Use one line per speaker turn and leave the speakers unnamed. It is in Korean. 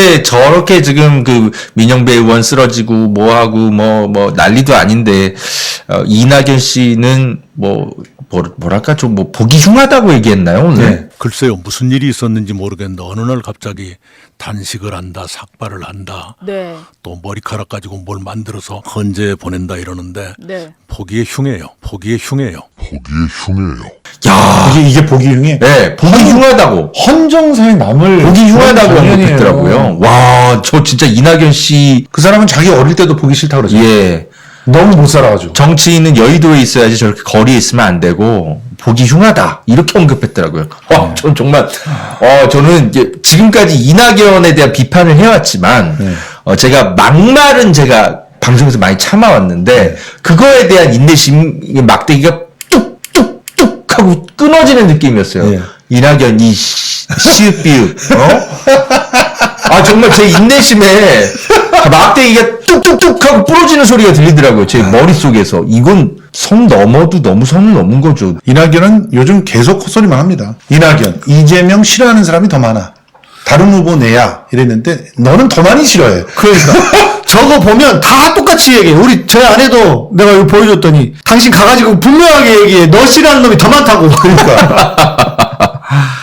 근데 저렇게 지금 그 민영배 의원 쓰러지고 뭐하고 뭐 난리도 아닌데 이낙연 씨는 뭐랄까 좀 뭐 보기 흉하다고 얘기했나요 오늘?
네. 글쎄요, 무슨 일이 있었는지 모르겠는데 어느 날 갑자기 단식을 한다, 삭발을 한다,
네.
또 머리카락 가지고 뭘 만들어서 헌재에 보낸다 이러는데
네.
보기에 흉해요. 보기에 흉해요.
야,
이게 보기 흉해.
네, 보기 흉하다고.
헌정사에 남을
보기 흉하다고
장면이에요.
언급했더라고요. 와, 저 진짜 이낙연 씨,
그 사람은 자기 어릴 때도 보기 싫다고 그러죠.
예.
너무 못 살아가지고.
정치인은 여의도에 있어야지 저렇게 거리에 있으면 안 되고, 보기 흉하다. 이렇게 언급했더라고요. 와, 전 정말, 저는 이제 지금까지 이낙연에 대한 비판을 해왔지만, 제가 막말은 제가 방송에서 많이 참아왔는데, 그거에 대한 인내심, 막대기가 뚝뚝뚝 하고 끊어지는 느낌이었어요.
네.
이낙연, 시읒비읒, 아, 정말 제 인내심에 막대기가 뚝뚝뚝 하고 부러지는 소리가 들리더라고요. 제 머릿속에서. 이건 선 넘어도 너무 선을 넘은 거죠.
이낙연은 요즘 계속 헛소리만 합니다. 이낙연, 이재명 싫어하는 사람이 더 많아. 다른 후보 내야 이랬는데 너는 더 많이 싫어해.
그러니까 저거 보면 다 똑같이 얘기해. 우리 제 아내도 내가 이거 보여줬더니 당신 가가지고 분명하게 얘기해. 너 싫어하는 놈이 더 많다고.
그러니까